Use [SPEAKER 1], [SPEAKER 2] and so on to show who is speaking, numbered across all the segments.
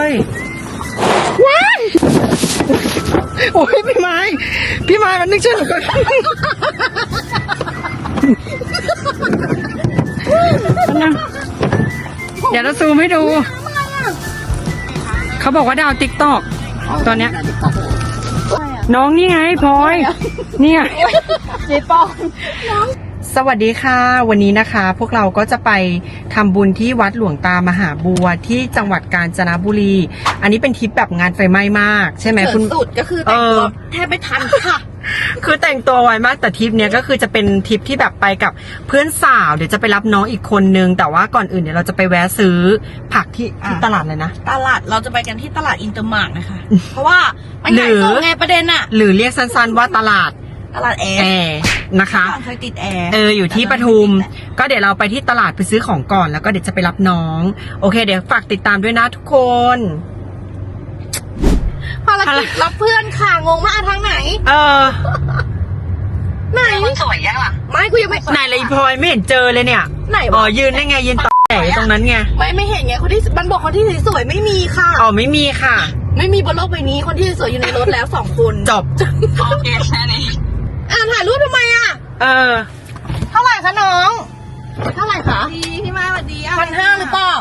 [SPEAKER 1] ยว้ายโอ้ยพี่ไม้มันนึกชื่อหนูก่อนเดี๋ยวเราซูมให้ดูเขาบอกว่าดาวติ๊กตอกตอนเนี้ยน้องนี่ไงพลอยเนี่ยเจ๊ปองสวัสดีค่ะวันนี้นะคะพวกเราก็จะไปทำบุญที่วัดหลวงตามหาบัวที่จังหวัดกาญจนบุรีอันนี้เป็นทริปแบบงานไฟไหม้มากใช่ไหมคุณ
[SPEAKER 2] สุดก็คือแต่งตัวแทบไม่ทันค่ะ
[SPEAKER 1] คือแต่งตัวไวมากแต่ทริปเนี้ยก็คือจะเป็นทริปที่แบบไปกับเพื่อนสาวเดี๋ยวจะไปรับน้องอีกคนนึงแต่ว่าก่อนอื่นเดี๋ยวเราจะไปแวะซื้อผักที่ตลาดเลยนะ
[SPEAKER 2] ตลาดเราจะไปกันที่ตลาดอินเตอร์มาร์ทนะคะเพราะว่ามันใหญ่โตไงประเด็นอะ
[SPEAKER 1] หรือเรียกสั้นๆว่าตลาด
[SPEAKER 2] แอร์
[SPEAKER 1] นะคะ
[SPEAKER 2] เคยติดแอร์
[SPEAKER 1] อยู่ที่ปทุมก็เดี๋ยวเราไปที่ตลาดไปซื้อของก่อนแล้วก็เดี๋ยวจะไปรับน้องโอเคเดี๋ยวฝากติดตามด้วยนะทุกคน
[SPEAKER 2] ภารกิจรับเพื่อนค่ะงงมากทางไหนไหนสวยยังล่ะไม่กูยังไม่
[SPEAKER 1] ไหนเลยพลอยไม่เห็นเจอเลยเนี่ย
[SPEAKER 2] ไหน
[SPEAKER 1] ยืนได้ไงยืนต่อแถวตรงนั้นไง
[SPEAKER 2] ไม่เห็นไงคนที่มันบอกคนที่สวยไม่มีค่ะ
[SPEAKER 1] ไม่มีค่ะ
[SPEAKER 2] ไม่มีบนโลกใบนี้คนที่สวยอยู่ในรถแล้ว2 คน
[SPEAKER 1] จบ
[SPEAKER 2] โอเคแค่นี้ถ่ายรูปทำไมเท่าไหร่คะน้องเท่าไหร่คะพี่มาสวัสดี1,500หรือเปล่า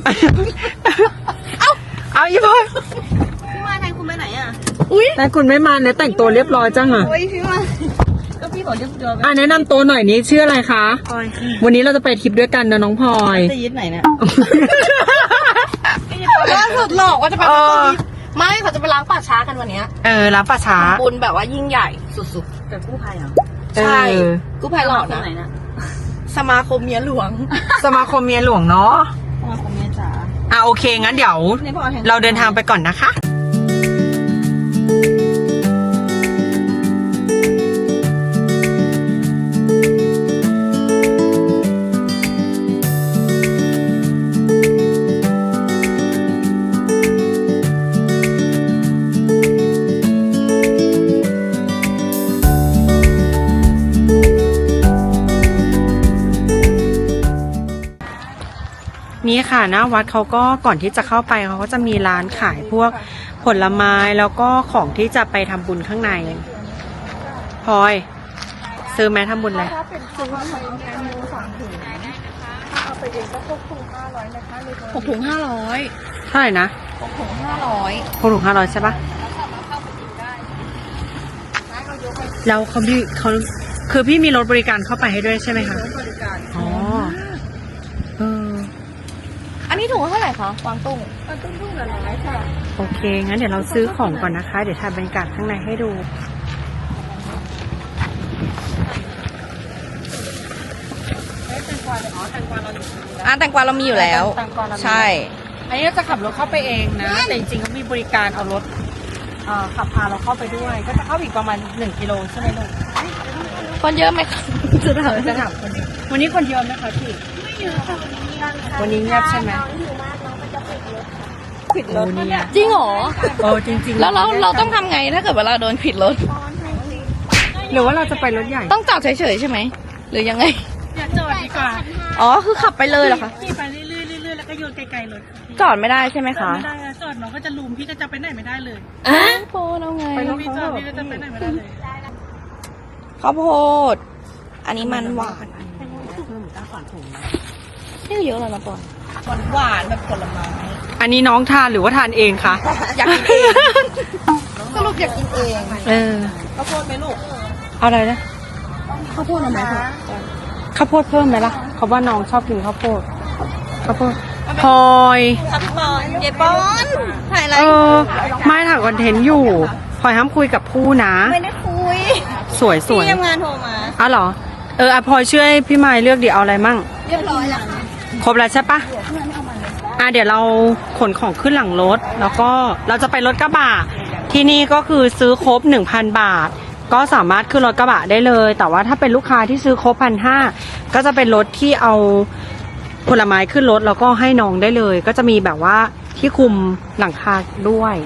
[SPEAKER 1] เอาอีพลอย
[SPEAKER 2] พี่มาแทนคุณไปไหน
[SPEAKER 1] แต่คุณไม่มาเนี่ยแต่งตัวเรียบร้อยจัง
[SPEAKER 2] พี่มาก็พี่บอกเรียบร้อย
[SPEAKER 1] แนะนำตัวหน่อยนี้ชื่ออะไรคะพลอยวันนี้เราจะไปทริปด้วยกันนะน้องพลอย
[SPEAKER 2] จะยึดไหนเนี่ยล่าสุดหลอกว่าจะไปไม่เขาจะไปล้างป่าช้ากันวันนี้
[SPEAKER 1] ล้างป่าช้า
[SPEAKER 2] บุญแบบว่ายิ่งใหญ่สุดๆกับกู้ภัยเหรอใช่กู้ภัยหลอกนะสมาคมเมียหลวง
[SPEAKER 1] สมาคมเมียหลวงเนาะ
[SPEAKER 2] สมาคมเมียจ๋า
[SPEAKER 1] โอเคงั้นเดี๋ยวเราเดินทางไปก่อนนะคะนี่ค่ะหน้าวัดเขาก็ก่อนที่จะเข้าไปเขาก็จะมีร้านขายพวกผลไม้แล้วก็ของที่จะไปทำบุญข้างในพลอยซื้อแม้ทำบุญเลย
[SPEAKER 2] ซื้อมาทำแกงมู3 ถุงถ้าเอาไปเองก็6 ถุง 500นะคะ6 ถุง 500
[SPEAKER 1] เท่าไหร่นะ
[SPEAKER 2] 6 ถุง 500
[SPEAKER 1] 6 ถุง 500ใช่ปะแล้วเขาคือพี่มีรถบริการเข้าไปให้ด้วยใช่ไหมคะ
[SPEAKER 2] รถบริการ
[SPEAKER 1] อันนี้
[SPEAKER 2] ถุงเท่าไหร่คะกวางตุ้งถุงละ100ค่ะ
[SPEAKER 1] โอเคงั้นเดี๋ยวเราซื้อของก่อนนะคะเดี๋ยวถ่ายบรรยากาศข้างในให้ดู
[SPEAKER 2] แตงกวาเรามีอยู่แล้วใช่
[SPEAKER 1] อันนี้เราจะขับรถเข้าไปเองนะแต่จริงๆเขามีบริการเอารถขับพาเราเข้าไปด้วยก็จะเข้าอีกประมาณ1 กิโลใช่ไหมลูก
[SPEAKER 2] คนเยอะไหมคะ
[SPEAKER 1] จะถามคนเยอะวันนี้คนเยอะไหมคะพี่
[SPEAKER 2] ไม่เยอะค่ะ
[SPEAKER 1] วันนี้เงียบใช่ไหม
[SPEAKER 2] ผิดรถจริงเหรอ
[SPEAKER 1] จริงๆ
[SPEAKER 2] แล้วเราต้องทำไงถ้าเกิดเวลาโดนผิดรถ
[SPEAKER 1] หรือว่าเราจะไปรถใหญ่
[SPEAKER 2] ต้องจอดเฉยๆใช่ไหมหรือยังไง
[SPEAKER 3] อย่าจอดดีกว่า
[SPEAKER 2] คือขับไปเลยเหรอคะ
[SPEAKER 3] ขี่ไปเรื่อยๆแล้วก็โยนไกลๆรถ
[SPEAKER 2] จอดไม่ได้ใช่ไหมคะ
[SPEAKER 3] ไม่ได้จอดน้องก็จะลุมพี่ก็จะไปไหนไม่ได้เลย
[SPEAKER 2] โพแล้วไง
[SPEAKER 3] พี่จอดพี่ก็จะไปไหนไม่ได้เลย
[SPEAKER 2] ข้าวโพดอันนี้มันหวานนี่เยอะแล้วนะปอนหวานแบบผลไม้
[SPEAKER 1] อันนี้น้องทานหรือว่าทานเองคะ
[SPEAKER 2] อยากกินเองสรุปอยากกินเองข้าวโพดไหมลูก
[SPEAKER 1] อะไรนะ
[SPEAKER 2] ข้าวโพดทำไมคะ
[SPEAKER 1] ข้าวโพดเพิ่มไหมล่ะเขาว่าน้องชอบกินข้าวโพดพลอย
[SPEAKER 2] เจ๊ปอนถ่ายอะไร
[SPEAKER 1] ไม่ถ่ายคอนเทนต์อยู่พลอยห้ามคุยกับผู้นะ
[SPEAKER 2] ไม่ได้คุย
[SPEAKER 1] สวย
[SPEAKER 2] พี่ทำงานโทรมา
[SPEAKER 1] เหรอพลอยช่วยพี่ไม้เลือกดิเอาอะไรมั่ง
[SPEAKER 2] เรียบร้อยแล้ว
[SPEAKER 1] ครบแล้วใช่ปะเดี๋ยวเราขนของขึ้นหลังรถแล้วก็เราจะไปรถกระบะที่นี่ก็คือซื้อครบ 1,000 บาทก็สามารถขึ้นรถกระบะได้เลยแต่ว่าถ้าเป็นลูกค้าที่ซื้อครบ 1,500ก็จะเป็นรถที่เอาผลไม้ขึ้นรถแล้วก็ให้น้องได้เลยก็จะมีแบบว่าที่คุมหลังคาด้วย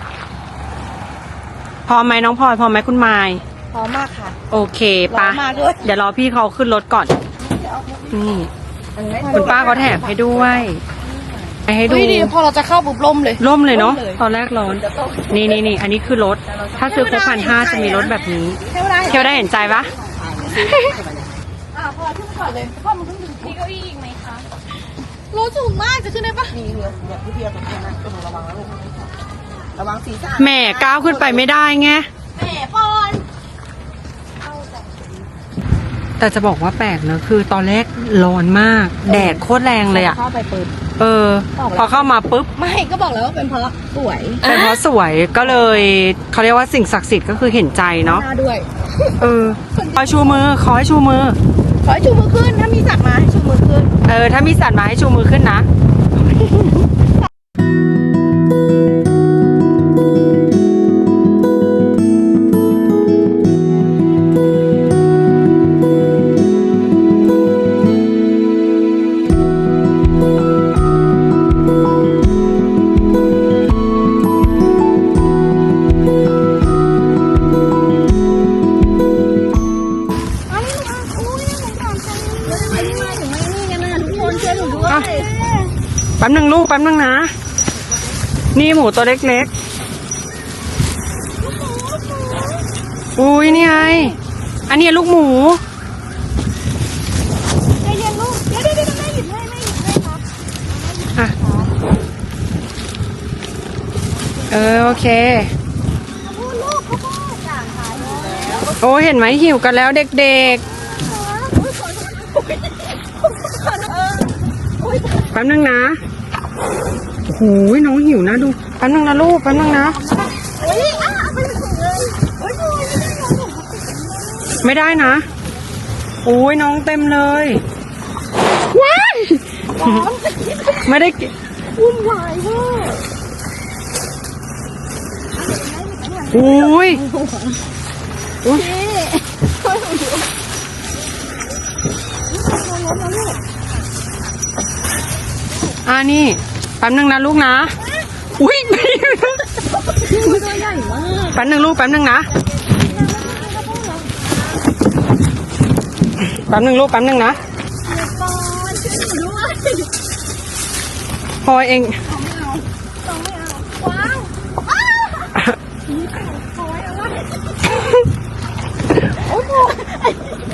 [SPEAKER 1] พร้อมไหมน้องพลอยพร้อมไหมคุณไม้
[SPEAKER 2] พร้อมมากค่ะ
[SPEAKER 1] โอเคปะเดี๋ยวรอพี่เขาขึ้นรถก่อนนี่คุณป้าเขาแถมให้ด้วยให้ดู
[SPEAKER 2] เฮ้ยดีพอเราจะเข้าปุ๊บล่มเลย
[SPEAKER 1] ร่มเลยเนาะ
[SPEAKER 2] ร่มเลย
[SPEAKER 1] ตอนแรกร้อน นี่อันนี้คือรถ ถ้าซื้อครบ1,500จะมีรถแบบนี้ เที่ยวได้เห็นใจปะ
[SPEAKER 2] พอขึ้นก่อนเลยพ่อมันขึ้นถึงที่เก้าอี้อีกไหมคะรถสูงมากจะขึ้นได้ปะมีเรือพี่เพียรตรงนี้นะระวังนะลูกระวังศีรษะ
[SPEAKER 1] แหม่ก้าวขึ้นไปไม่ได้ไง
[SPEAKER 2] แหมปอน
[SPEAKER 1] แต่จะบอกว่าแปลกนะคือตอนแรกร้อนมาก แดดโคตรแรงเลยอะ
[SPEAKER 2] เข้าไปเปิด
[SPEAKER 1] พอเข้ามาปุ๊บ
[SPEAKER 2] ไม่ก็บอกแล้วว่าเป็นเพราะสวย
[SPEAKER 1] เป็นเพราะสวยก็เลยเขาเรียกว่าสิ่งศักดิ์สิทธิ์ก็คือเห็นใจเนาะ
[SPEAKER 2] หน้าด้วย
[SPEAKER 1] ขอชูมือขอให้ชูมือ
[SPEAKER 2] ขอให้ชูมือขึ้นถ้ามีสัตว์มาให้ชูมือขึ้น
[SPEAKER 1] ถ้ามีสัตว์มาให้ชูมือขึ้นนะ แป๊บนึงลูกแป๊บนึงนะ นี่หมูตัวเล็กๆ อุ้ยนี่ไง อันนี้ลูกหมู
[SPEAKER 2] ใจเย็นลูกเดี๋ยวแม่หยิบให้ครับ
[SPEAKER 1] อ่ะ โอเค
[SPEAKER 2] พูดลูกเขาพูดอย่างขายแล้ว
[SPEAKER 1] โอ้เห็นไหมหิวกันแล้วเด็กๆ แป๊บนึงนะ โอ้โหน้องหิวนะดู แป๊บนึงนะลูก แป๊บนึงนะ
[SPEAKER 2] เฮ้ยเอาไปถึงเลยโอ้ยดู
[SPEAKER 1] ไม่ได้นะ โอ้ยน้องเต็มเลย ว้ายไม่ได้กิน
[SPEAKER 2] วุ่นวายเวอร์
[SPEAKER 1] อุ้ยอุ้ยนี่แป๊บนึงนะลูกนะ อุ้ย
[SPEAKER 2] ตัวใหญ่มาก
[SPEAKER 1] แป๊บนึงลูกแป๊บนึงนะ แป๊บนึงลูกแป๊บนึงนะ
[SPEAKER 2] ปอนช่วยหนูด้วย
[SPEAKER 1] พอเอง
[SPEAKER 2] ต้องไม่เอาว้าวอ้าวโอ้ยอะไรโอ้โหไอ้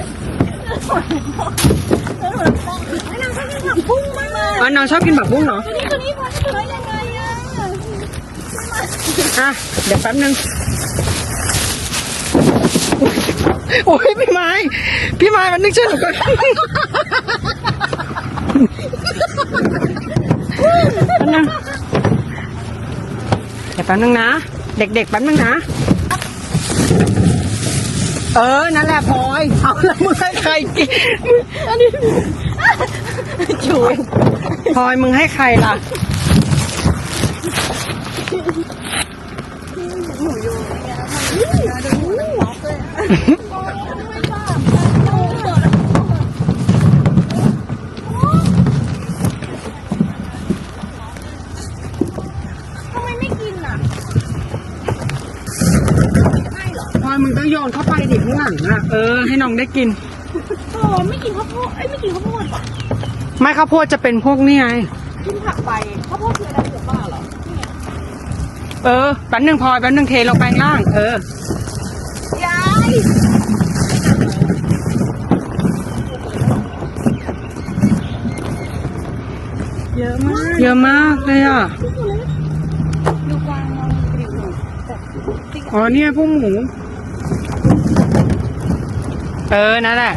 [SPEAKER 2] นางชอบกินผักบุ้งมากเลย
[SPEAKER 1] น้องชอบกินแบบบุ้งเหรอ
[SPEAKER 2] ตัวนี้พอจะได้ยังไงอ่ะ
[SPEAKER 1] เดี๋ยวแป๊บนึง โอ้ยพี่ไม้มันนึกช่วยหนูก่อน เดี๋ยวแป๊บนึงนะ เด็กๆแป๊บนึงนะ นั่นแหละพลอยเอาแล้วมึงให้ใครกินจูพลอยมึงให้ใครล่ะ
[SPEAKER 2] ทำไมไม่กินอ่ะ
[SPEAKER 1] พลอยมึงต้องโยนเข้าไปดิข้างหลังอ่ะ ให้น้องได้กิน
[SPEAKER 2] โอ้ไม่กินข้าวโพดไม่กินข้าวโพดป่ะ
[SPEAKER 1] ไม่ข้าวโพดจะเป็นพวกนี่ไง
[SPEAKER 2] กินผักไปข้าวโพดคืออะไรถูกป่ะเหรอ
[SPEAKER 1] แป๊บนึงพลอยแป๊บนึงเทลงไปข้างล่าง
[SPEAKER 2] ยาย
[SPEAKER 1] เยอะมากเลยอ่ะ
[SPEAKER 2] ดูกวางมองกระดิ่ง
[SPEAKER 1] อ๋อเนี่ยพวกหมู นั่นแหละ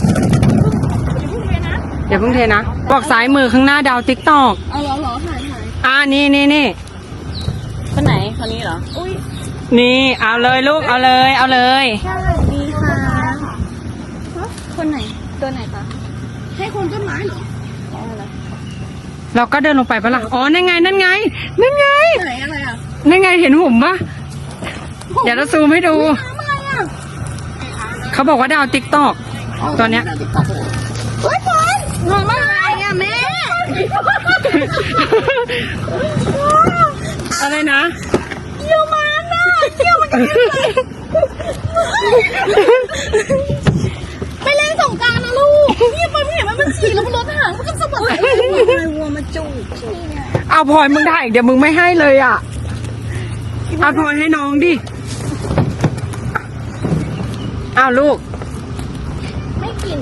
[SPEAKER 1] อย่าเพิ่งเทนะ บอกซ้ายมือข้างหน้าดาวติ๊กตอก
[SPEAKER 2] เอาเหรอถ่าย
[SPEAKER 1] นี่
[SPEAKER 2] คนไหนคนนี้เหรอ อุ้ย
[SPEAKER 1] นี่เอาเลยลูกเอาเลย
[SPEAKER 2] สวัสดีค่ะคนไหนตัวไหนคะให้คนต้นไม้เหรอ
[SPEAKER 1] เราก็เดินลงไปปะล่ะอ๋อนั่นไง
[SPEAKER 2] ไหนอะไรอ่ะ
[SPEAKER 1] นั่นไงเห็นหุ่มปะเดี๋ยวเราซูมให้ดู
[SPEAKER 2] อะไรอ่ะ
[SPEAKER 1] เขาบอกว่าดาวติ๊กตอกตัวเนี้ย
[SPEAKER 2] เฮ้ยคนงงมากอะไรอ่ะแม่
[SPEAKER 1] อะไรนะ
[SPEAKER 2] เกี่ยวมันอ่ะเกี่ยวมันไปเล่นสงกรานต์นะลูกเนี่ยมันเห็นมันฉี่แล้วมันรถหางมันก็สะบัดอะไรวัวมาจูบ
[SPEAKER 1] เอาพลอยมึงได้อีกเดี๋ยวมึงไม่ให้เลยอ่ะเอาพลอยให้น้องดิเอาลูกไม่กิน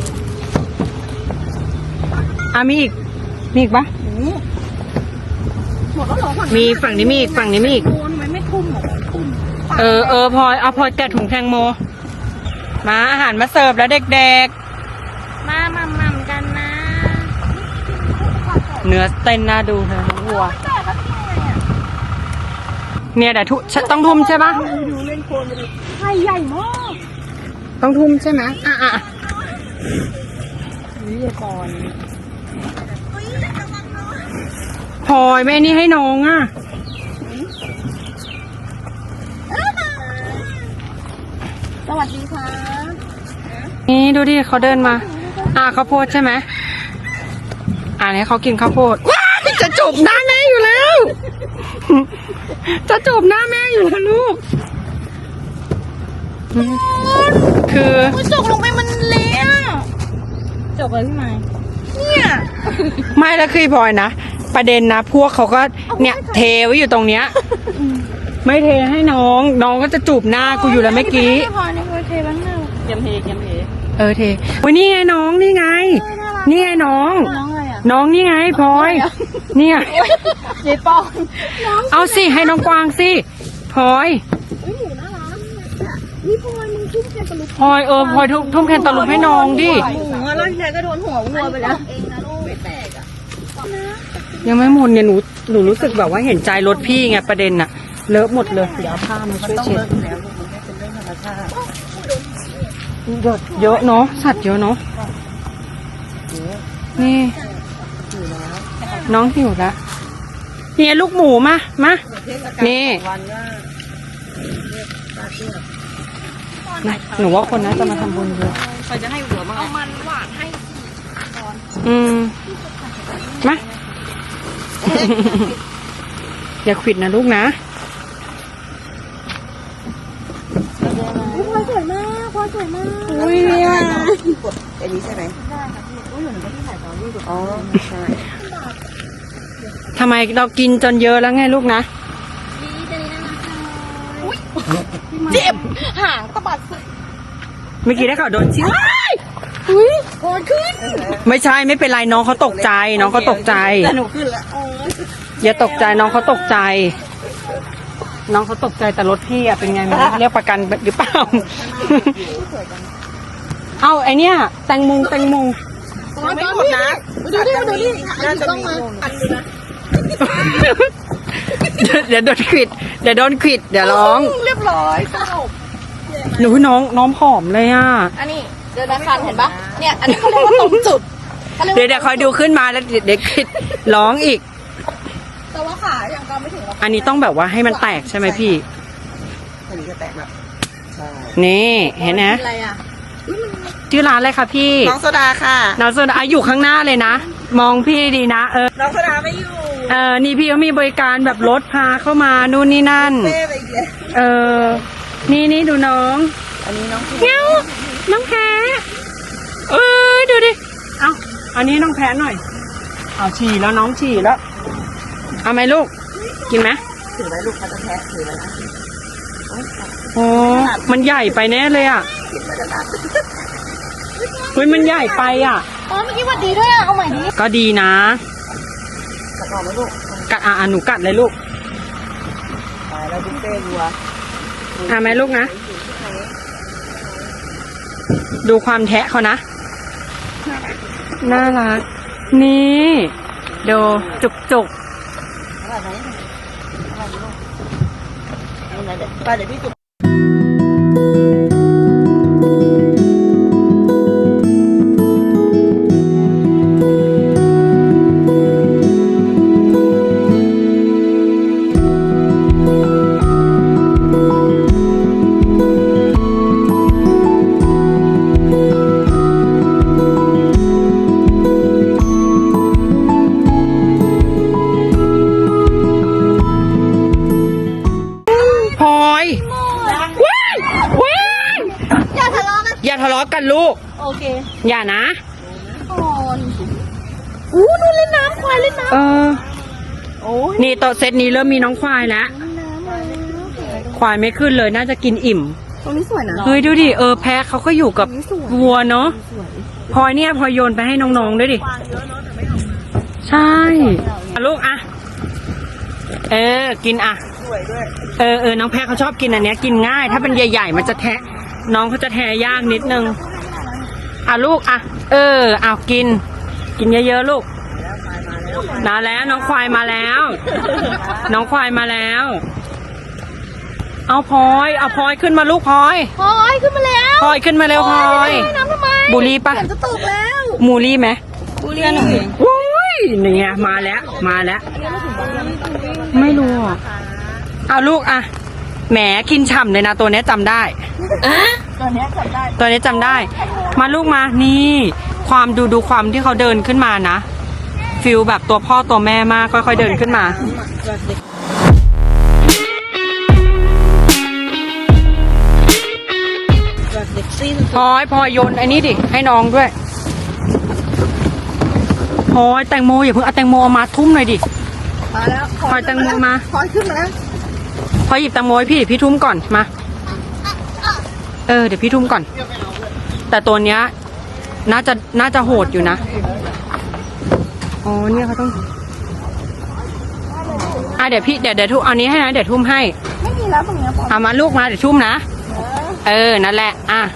[SPEAKER 1] มีอีกปะ
[SPEAKER 2] หมดแล้วเหรอ
[SPEAKER 1] มีฝั่งนี้มีอีกฝั่งนี้มีอีก
[SPEAKER 2] โอนไว้ไม่ทุ่มหรอทุ่ม
[SPEAKER 1] พลอยเอาพลอยแกะถุงแตงโมมาอาหารมาเสิร์ฟแล้วเด็กๆมาม่ำกันนะเนื้อเต้นน่าดูเลยน้องวัวเนี่ยเดี๋ยวต้องทุ่มใช่ปะ
[SPEAKER 2] ดูเล่นโคลนไปเลยไข่ใหญ่มาก
[SPEAKER 1] ต้องทุ่มใช่ไหม
[SPEAKER 2] นี่ก่อน
[SPEAKER 1] พลอยแม่นี่ให้น้องอ่ะ
[SPEAKER 2] สวัสดีค่ะ
[SPEAKER 1] นี่ดูดิเขาเดินมาข้าวโพดใช่ไหมเนี่ยเขากินข้าวโพดว้ายจะจูบหน้าแม่อยู่แล้ว จะจูบหน้าแม่อยู่แล้วลูกคือ
[SPEAKER 2] จกลงไปมันเละจกเลยพี่ไม้เนี่ย
[SPEAKER 1] ไม่แล้วคือพลอยนะประเด็นนะพวกเขาก็เนี่ยเทไว้อยู่ตรงเนี้ยไม่เทให้น้องก็จะจูบหน้ากูอยู่แล้วเมื่อกี้
[SPEAKER 2] พอในโคเทบ้างเนอะเยมเท
[SPEAKER 1] เทวันนี้ไงน้องนี่ไงนี่ไงน้อง
[SPEAKER 2] น้องอะไรอ่ะ
[SPEAKER 1] น้องนี่ไงพลอยเนี่ย
[SPEAKER 2] เจ๊ปอง
[SPEAKER 1] เอาสิให้น้องกวางสิพลอย
[SPEAKER 2] หนูน่ารักนี่พลอยมึงทุ่มแคนตาลูป
[SPEAKER 1] พลอยพลอยทุ่มแคนตาลูปให้น้องดิ
[SPEAKER 2] หมูอ่ะแล้วทีแรกก็โดนหัววัวไปแล้วเองนะลูกไม่แตกอ่ะ
[SPEAKER 1] ยังไม่หมดเนี่ยหนูรู้สึกแบบว่าเห็นใจรถพี่ไงประเด็นอะเลอะหมดเลยเดี๋ยวเอาผ้ามาช่วยเช็ดเยอะเนาะสัตว์เยอะเนาะนี่น้องหิวแล้วเนี่ยลูกหมูมานี่หนูว่าคนน่าจะมาทำบุญเยอะ
[SPEAKER 2] ใครจะให้หัวมั้งเอามันหวานให้
[SPEAKER 1] มา อย่าขวิดนะลูกนะ
[SPEAKER 2] พลอยสวยมากพลอยสวยมาก
[SPEAKER 1] อุ้ยเนี่ย
[SPEAKER 4] กดอันนี้ใช่ไหม
[SPEAKER 2] ได้ค่ะพี่อุ้ยหนูก็ที่ถ่ายตอนรูป
[SPEAKER 4] อ๋อ ใช่
[SPEAKER 1] ทำไมเรากินจนเยอะแล้วไงลูกนะ
[SPEAKER 2] เจ็บหางตะบัด
[SPEAKER 1] เมื่อกี้ได้ข่าวโดนชิ้น
[SPEAKER 2] อุ้ยโกรธขึ้น
[SPEAKER 1] ไม่ใช่ไม่เป็นไรน้องเขาตกใจน้องเขาตกใจ
[SPEAKER 4] แต่หนูขึ้นละ
[SPEAKER 1] อย่าตกใจน้องเขาตกใจ น้องเขาตกใจแต่รถพี่อะเป็นไงไม่รู้เรียกประกันหรือเปล่า เอาไอเนี้ยแตงโม
[SPEAKER 4] ไม่หมดนะ
[SPEAKER 2] ดูดิ
[SPEAKER 4] น่าจะ
[SPEAKER 2] ต้อง
[SPEAKER 4] มี
[SPEAKER 2] มา
[SPEAKER 1] เดี๋ยวโดนขวิดเดี๋ยวร้อง
[SPEAKER 2] เรียบร้อยสรุป
[SPEAKER 1] หนูน้องผอมเลยอ่ะ
[SPEAKER 2] อันนี้เดินคันเห็นปะเนี่ยอันนี้เขาเรียกว่าตรงจุด
[SPEAKER 1] เดี๋ยวคอยดูขึ้นมาแล้วเดี๋ยวขวิดร้องอีก
[SPEAKER 2] แต่ว่าขาอย่างก็ไม่ถึงหรอก
[SPEAKER 1] อันนี้ต้องแบบว่าให้มันแตกใช่ไหมพี่
[SPEAKER 4] อันนี้จะแตกแบบใช่
[SPEAKER 1] นี่เห็นไหม
[SPEAKER 2] อะไรอ่ะ
[SPEAKER 1] ชื่อร้านอะไรคะพี่
[SPEAKER 4] น้องโซดาค่ะ
[SPEAKER 1] น้องโซดาอยู่ข้างหน้าเลยนะมองพี่ดีนะ
[SPEAKER 4] น้องโซดาไม่อยู่
[SPEAKER 1] นี่พี่เขามีบริการแบบรถพาเข้ามานู่นนี่นั่น
[SPEAKER 4] เป้ไปอีกแล้ว
[SPEAKER 1] นี่ดูน้อง
[SPEAKER 4] อันนี้น้อง
[SPEAKER 1] เงี้ยวน้องแพ้ดูดิเอาอันนี้น้องแพ้หน่อยเอาฉี่แล้วน้องฉี่แล้วเอาไหมลูกกินไหม
[SPEAKER 4] ถือไว้ลูกเขาจะแทะถือไว้นะ
[SPEAKER 1] โอ้มันใหญ่ไปแน่เลยอ่ะเฮ้ยมันใหญ่ไปอ่ะ
[SPEAKER 2] อ๋อเมื่อกี้วัดดีด้วยอ่ะเอาใหม่ดิ
[SPEAKER 1] ก็ดีนะ
[SPEAKER 4] กระต่อไหมลูก
[SPEAKER 1] กัดหนูกัดเลยลูก
[SPEAKER 4] ตายแล้วบุฟเฟ่ต์วัว
[SPEAKER 1] เอาไหมลูกนะ ดูความแทะเขานะ น่ารัก นี่ดูจุก
[SPEAKER 4] อร่อยไหมอร่อยไหมลูกเอาไหนเดี๋ยวไปเดี๋ยวพี่จุด
[SPEAKER 1] พลอยว้าย
[SPEAKER 2] อย่าทะเลาะกัน
[SPEAKER 1] อย่าทะเลาะกันลูก
[SPEAKER 2] โอเค
[SPEAKER 1] อย่านะ
[SPEAKER 2] ก่อนนู่นเล่นน้ำควายเล่นน้
[SPEAKER 1] เออ
[SPEAKER 2] โอ้ย
[SPEAKER 1] นี่โต๊ะเซตนี้เริ่มมีน้องควายแล้ว ควายไม่ขึ้นเลยน่าจะกินอิ่ม
[SPEAKER 2] ตรงนี้สวยนะ
[SPEAKER 1] เฮ้ยดูดิแพะเขาก็อยู่กับวัวเนาะพลอยเนี่ยพลอยโยนไปให้น้องๆด้วยดิใช่อ่ะลูกอ่ะกินอ่ะ
[SPEAKER 2] สวยด้วย
[SPEAKER 1] น้องแพะเขาชอบกินอันเนี้ยกินง่าย ถ้าเป็นใหญ่ๆมันจะแทะน้องเขาจะแทะยากนิดนึงอ่ะลูกอ่ะเอากินเยอะๆลูกมาแล้วน้องควายมาแล้ว น้องควายมาแล้วเอาพลอยขึ้นมาลูกพลอย
[SPEAKER 2] พลอยขึ้นมาแล้ว
[SPEAKER 1] พลอยขึ้นมาเร็วพลอย
[SPEAKER 2] น้ำทำไม
[SPEAKER 1] บูลลี่ปะ
[SPEAKER 2] ฝนจะตกแล้ว
[SPEAKER 1] มูลลี่ไหม
[SPEAKER 2] บุรีหน่อย
[SPEAKER 1] โอ้ยเนี่ยมาแล้วไม่รู้อ่ะเอาลูกอ่ะแหมกินฉ่ำเลยนะตัวเนี้ยจำได้
[SPEAKER 2] ตัวเนี้ยจับได้
[SPEAKER 1] ตัวนี้จำได้ มาลูกมานี่ความดูความที่เขาเดินขึ้นมานะฟิลแบบตัวพ่อตัวแม่มากค่อยๆเดินขึ้นมาพลอยโยนไอ้นี่ดิให้น้องด้วยพลอยแตงโมอย่าเพิ่งเอาแตงโมมาทุ่มหน่อยดิ
[SPEAKER 2] มาแล้ว
[SPEAKER 1] พลอยแตงโมมา
[SPEAKER 2] พลอยขึ้นมาแล้ว
[SPEAKER 1] พลอยหยิบแตงโมให้พี่ทุ่มก่อนมาเดี๋ยวพี่ทุ่มก่อน แต่ตัวเนี้ยน่าจะโหดอยู่นะอ๋อเนี่ยเขาต้องเดี๋ยวทุ่มเอานี้ให้นะเดี๋ยวทุ่มให้
[SPEAKER 2] ไม่มีแล้วตรงเนี้ยพลอย
[SPEAKER 1] เอามาลูกมาเดี๋ยวทุ่มนะนั่นแหละ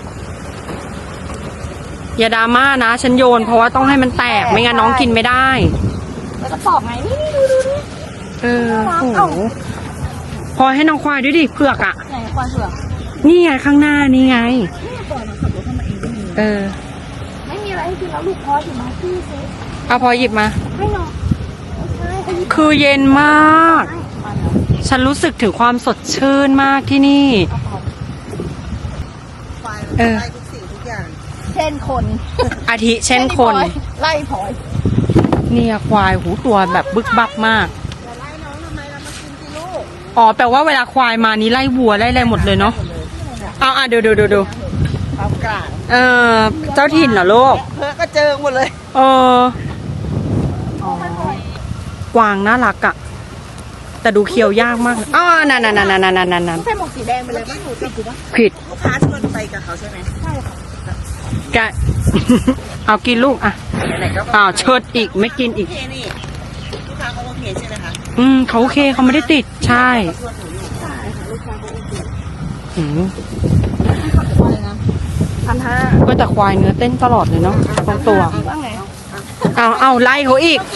[SPEAKER 1] อย่าดราม่านะฉันโยนเพราะว่าต้องให้มันแตกไม่งั้นน้องกินไม่ได้
[SPEAKER 2] แล้วก็ปอกไงนี่ดู
[SPEAKER 1] โอ้โหพอให้น้องควายด้วยดิเผือกอ่ะ
[SPEAKER 2] ไหนควายเผือก
[SPEAKER 1] นี่ไงข้างหน้านี่ไง
[SPEAKER 2] ไม่มีอะไรให้กินแล้วลูกพลอยอยู่มาที่เซฟ
[SPEAKER 1] เอาพอหยิบมา
[SPEAKER 2] ให้น้องใช่ให้
[SPEAKER 1] คือเย็นมาก ฉันรู้สึกถึงความสดชื่นมากที่นี่
[SPEAKER 2] ไล่ทุกสิ่งทุกอย่างเช่นคน
[SPEAKER 1] อาทิเช่นคน
[SPEAKER 2] ไล่พลอย
[SPEAKER 1] เนี่ยควายหูตัวแบบบึกบักมาก
[SPEAKER 2] จะไล่น้องทำไมเรามากินสิลูก
[SPEAKER 1] อ๋อแปลว่าเวลาควายมานี่ไล่วัวไล่อะไรหมดเลยเนาะเอาดู
[SPEAKER 2] ความกลาง
[SPEAKER 1] เจ้าถิ่นเหรอลูก
[SPEAKER 2] เพื่อก็เจอหมดเลย
[SPEAKER 1] กวางน่ารักอะแต่ดูเคี้ยวยากมากนั่น
[SPEAKER 2] ใส่หมวกสีแดงไปเลยป่ะหนูกับกูป่ะ
[SPEAKER 1] ผิด
[SPEAKER 2] ลูกค้าชวนไปกับเขาใช่ไหมใช่ค่ะ
[SPEAKER 1] แก เอากินลูกอ่ะเชิดอีกไม่กินอีก
[SPEAKER 2] โอเคนี่ลูกค้าเขาโอเคใช่ไหมคะ
[SPEAKER 1] เขาโอเคเขาไม่ได้ติดใช่ก็แต่ควายเนื้อเต้นตลอดเลยเนาะบางตัวเอาไล่เขาอีก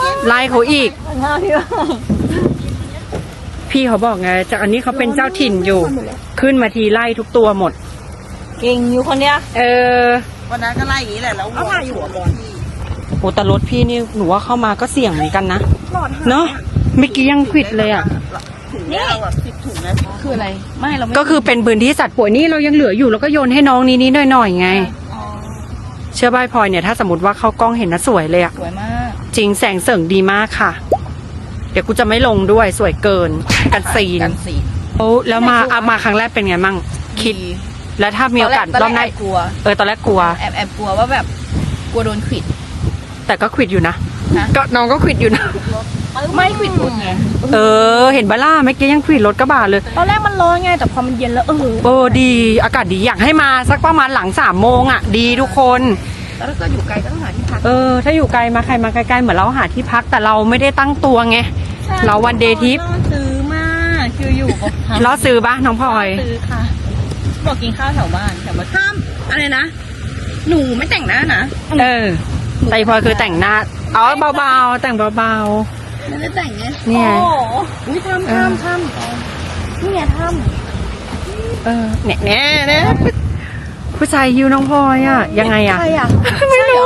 [SPEAKER 1] พี่เขาบอกไงจากอันนี้เขาเป็นเจ้าถิ่นอยู่ขึ้นมาทีไล่ทุกตัวหมด
[SPEAKER 2] เก่งอยู่คนเนี้ย
[SPEAKER 5] วันนั้นก็ไล่อย่างนี้แหละ แล้ววัวหัวบอลพี่
[SPEAKER 1] โอ้แต่รถพี่นี่หนูว่าเข้ามาก็เสี่ยงเหมือนกันนะเนาะเมื่อกี้ยังควิดเลยอ่ะ
[SPEAKER 5] ถุงนี้เราแบบ10 ถุงนะ
[SPEAKER 2] คืออะไรไม่เราไม่
[SPEAKER 1] ก็คือเป็นพื้นที่สัตว์ป่วยนี่เรายังเหลืออยู่แล้วก็โยนให้น้องนี้หน่อยไงเชื่อบ้ายพลอยเนี่ยถ้าสมมติว่าเข้ากล้องเห็นนะสวยเลยอ่ะ
[SPEAKER 2] สวยมาก
[SPEAKER 1] จริงแสงเสริงดีมากค่ะ เดี๋ยวกูจะไม่ลงด้วยสวยเกินกันซีนแล้วมาครั้งแรกเป็นไงมั่งคิด แล้วถ้ามีโอกาสรอบหน้าก
[SPEAKER 2] ลัว
[SPEAKER 1] ตอนแรกกลัว
[SPEAKER 2] แอบกลัวว่าแบบกลัวโดนขวิด
[SPEAKER 1] แต่ก็ควิดอยู่นะ
[SPEAKER 2] ฮะ
[SPEAKER 1] ก็น้องก็ควิดอยู่นะ
[SPEAKER 2] ไม่ขวิดไง
[SPEAKER 1] เห็นบ้าล่าเมื่อกี้ยังควิดรถกระบะเลย
[SPEAKER 2] ตอนแรกมันร้อนไงแต่พอมันเย็นแล้ว
[SPEAKER 1] ดีอากาศดีอยากให้มาสักประมาณหลัง3 โมงอ่ะดีทุกคน
[SPEAKER 2] แล้วถ้าอยู่ไกลก็ต้องหาที่พัก
[SPEAKER 1] ถ้าอยู่ไกลมาใครมาไกลๆเหมือนเราหาที่พักแต่เราไม่ได้ตั้งตัวไงเราวันเดย์ทริป
[SPEAKER 2] ซื้อมากคืออยู่กับ
[SPEAKER 1] ล้อซื้อปะน้องพลอย
[SPEAKER 2] ซื้อค่ะบอกกินข้าวแถวบ้านห้ามอะไรนะหนูไม่แต่งหน้านะ
[SPEAKER 1] แต่พลอยคือแต่งหน้าเบาๆแต่งเบา
[SPEAKER 2] ไม่ได้แต่งไง
[SPEAKER 1] ๆเนี่ย
[SPEAKER 2] โอ้อุ้ยทำนี่ไงทำ
[SPEAKER 1] เนี่ยผู้ชายฮิวน้องพลอยอ่ะยังไงอ่ะ
[SPEAKER 2] ใครอ่ะ
[SPEAKER 1] ไม่รู้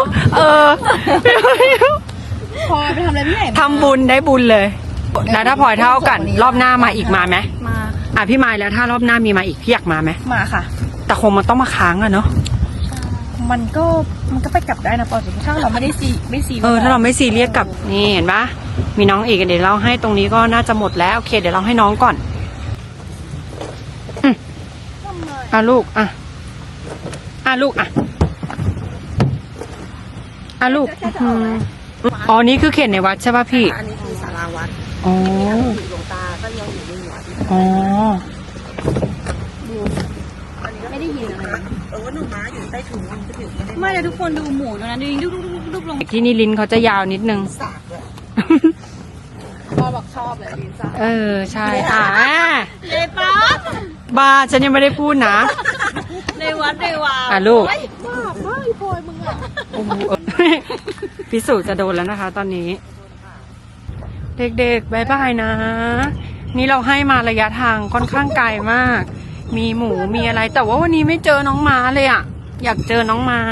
[SPEAKER 2] พอไปทำอะไรไม่ไหน
[SPEAKER 1] ทำบุญได้บุญเลยแล้วถ้าพลอยเท่ากันรอบหน้ามาอีกมาไหม
[SPEAKER 2] มา
[SPEAKER 1] พี่มายแล้วถ้ารอบหน้ามีมาอีกพี่อยากมาไหม
[SPEAKER 2] มาค่ะ
[SPEAKER 1] แต่คงมันต้องมาค้างอะเนาะ
[SPEAKER 2] มันก็ไปกลับได้นะปอถ้าเราไม่ได้
[SPEAKER 1] ถ้าเราไม่ซีเรียสกับนี่เห็นปะมีน้องอีกเดี๋ยวเราให้ตรงนี้ก็น่าจะหมดแล้วโอเคเดี๋ยวเราให้น้องก่อนลูกลูกลูกอ๋อนี่คือเขตในวัดใช่ป่ะพี่
[SPEAKER 5] อันนี้คือศาลาวัด
[SPEAKER 1] อ๋อ
[SPEAKER 5] หลวงตาก็ยังอยู่ในหัวที่
[SPEAKER 1] อ๋อ
[SPEAKER 2] ไม่ได้ยินอะไร
[SPEAKER 5] ว่าหนูม้าอยู่ใต้ถุงมันจะถึงไม่ได้
[SPEAKER 2] ไม่เลยทุกคนดูหมูตรงนั้นดูดุบลง
[SPEAKER 1] ที่นี่ลิ้นเขาจะยาวนิดนึง
[SPEAKER 5] สากเลย
[SPEAKER 2] พ่อบอกชอบเลยลินซ่า
[SPEAKER 1] เออ ใช่
[SPEAKER 2] ในป๊า
[SPEAKER 1] บ้าฉันยังไม่ได้พูดนะ
[SPEAKER 2] ในวัดในวา
[SPEAKER 1] ลูก
[SPEAKER 2] บ้าอีพลอยมึงอ่ะ
[SPEAKER 1] โอ้โหพิสูจน์จะโดนแล้วนะคะ ตอนนี้ เด็กๆบายบายนะ นี่เราให้มาระยะทางค่อนข้างไกลมาก มีหมูมีอะไร แต่ว่าวันนี้ไม่เจอน้องม้าเลยอ่ะ อยากเจอน้องม้า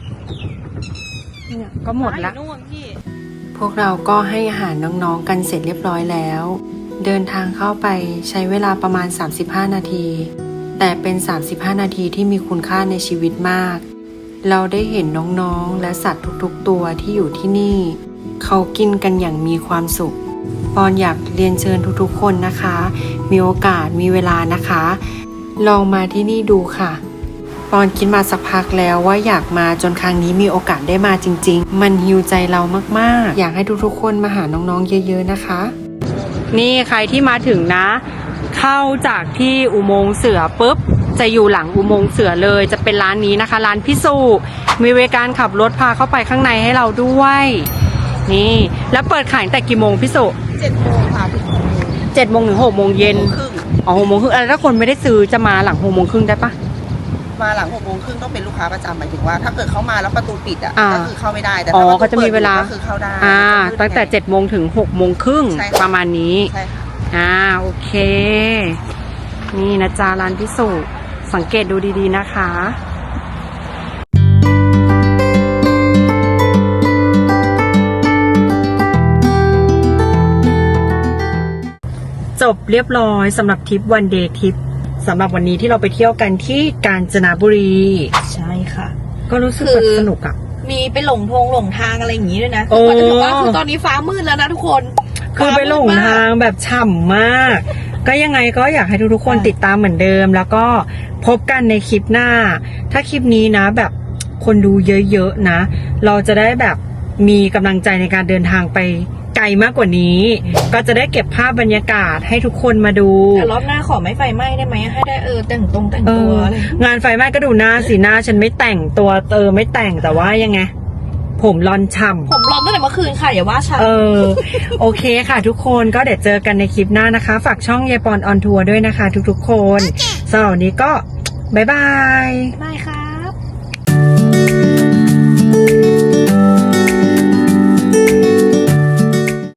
[SPEAKER 1] เนี่ยก็หมดละ
[SPEAKER 2] นู่นพี่
[SPEAKER 1] พวกเราก็ให้อาหารน้องๆกันเสร็จเรียบร้อยแล้ว เดินทางเข้าไปใช้เวลาประมาณ35นาที แต่เป็น35นาทีที่มีคุณค่าในชีวิตมาก เราได้เห็นน้องๆและสัตว์ทุกๆตัวที่อยู่ที่นี่ เขากินกันอย่างมีความสุข ปอนอยากเรียนเชิญทุกๆคนนะคะ มีโอกาสมีเวลานะคะ ลองมาที่นี่ดูค่ะ ปอนคิดมาสักพักแล้วว่าอยากมาจนครั้งนี้มีโอกาสได้มาจริงๆ มันฮีลใจเรามากๆ อยากให้ทุกๆคนมาหาน้องๆเยอะๆนะคะ นี่ใครที่มาถึงนะ เข้าจากที่อุโมงค์เสือปุ๊บจะอยู่หลังอุโมงค์เสือเลยจะเป็นร้านนี้นะคะ ร้านพิสูมีบริการขับรถพาเข้าไปข้างในให้เราด้วย นี่แล้วเปิดขายตั้งแต่กี่โมงพิสู
[SPEAKER 5] 7 โมงค่ะถึง
[SPEAKER 1] 7 โมงถึง 6 โมงเย็น
[SPEAKER 5] ครึ่ง
[SPEAKER 1] อ๋อ 6 โมงครึ่งแล้วถ้าคนไม่ได้ซื้อจะมาหลัง 6 โมงครึ่งได้ปะ
[SPEAKER 5] มาหลัง 6 โมงครึ่งต้องเป็นลูกค้าประจำหมายถึงว่า ถ้าเกิดเขามาแล้วประตูปิดอ่ะ
[SPEAKER 1] อ่า
[SPEAKER 5] ก็คือเข้าไม่ได้แต่
[SPEAKER 1] อ๋อ
[SPEAKER 5] ถ้าประตู
[SPEAKER 1] เขาจะมีเวลา
[SPEAKER 5] ปิดก็คือเข้าได้
[SPEAKER 1] ตั้งแต่7 โมงถึง 6 โมงครึ่ง
[SPEAKER 5] ใช่ค่ะ
[SPEAKER 1] ประมาณนี้
[SPEAKER 5] ใช่ค่ะ
[SPEAKER 1] โอเค นี่นะจ๊ะร้านพิสูจน์สังเกตดูดีๆนะคะ จบเรียบร้อยสำหรับทริปวันเดย์ทริปสำหรับวันนี้ที่เราไปเที่ยวกันที่กาญจนบุรี
[SPEAKER 2] ใช่ค่ะ
[SPEAKER 1] ก็รู้สึกแบบสนุกอะ
[SPEAKER 2] มีไปหลงทางอะไรอย่างงี้ด้วยนะ
[SPEAKER 1] โอ้
[SPEAKER 2] คือจะบอกว่าคือตอนนี้ฟ้ามืดแล้วนะทุกคน
[SPEAKER 1] คือไปหลงทางแบบฉ่ำมาก ก็ยังไงก็อยากให้ทุกๆคนติดตามเหมือนเดิม แล้วก็พบกันในคลิปหน้า ถ้าคลิปนี้นะแบบคนดูเยอะๆนะ เราจะได้แบบมีกำลังใจในการเดินทางไปไกลมากกว่านี้ ก็จะได้เก็บภาพบรรยากาศให้ทุกคนมาดู
[SPEAKER 2] แต่รอบหน้าขอไม่ไฟไหม้ได้ไหมให้ได้แต่งตัวอะไร
[SPEAKER 1] งานไฟไหม้ก็ดูหน้าสิหน้าฉันไม่แต่งตัวไม่แต่งแต่ว่ายังไง ผมรอนฉ่ำ
[SPEAKER 2] ผมร้อนตั้งแต่เมื่อคืนค่ะอย่าว่าฉัน
[SPEAKER 1] โอเคค่ะทุกคนก็เดี๋ยวเจอกันในคลิปหน้านะคะ ฝากช่องยายปอนออนทัวร์ด้วยนะคะ ทุกๆคนสำหรับวันนี้ก็บ๊ายบาย
[SPEAKER 2] ไม่ค่ะ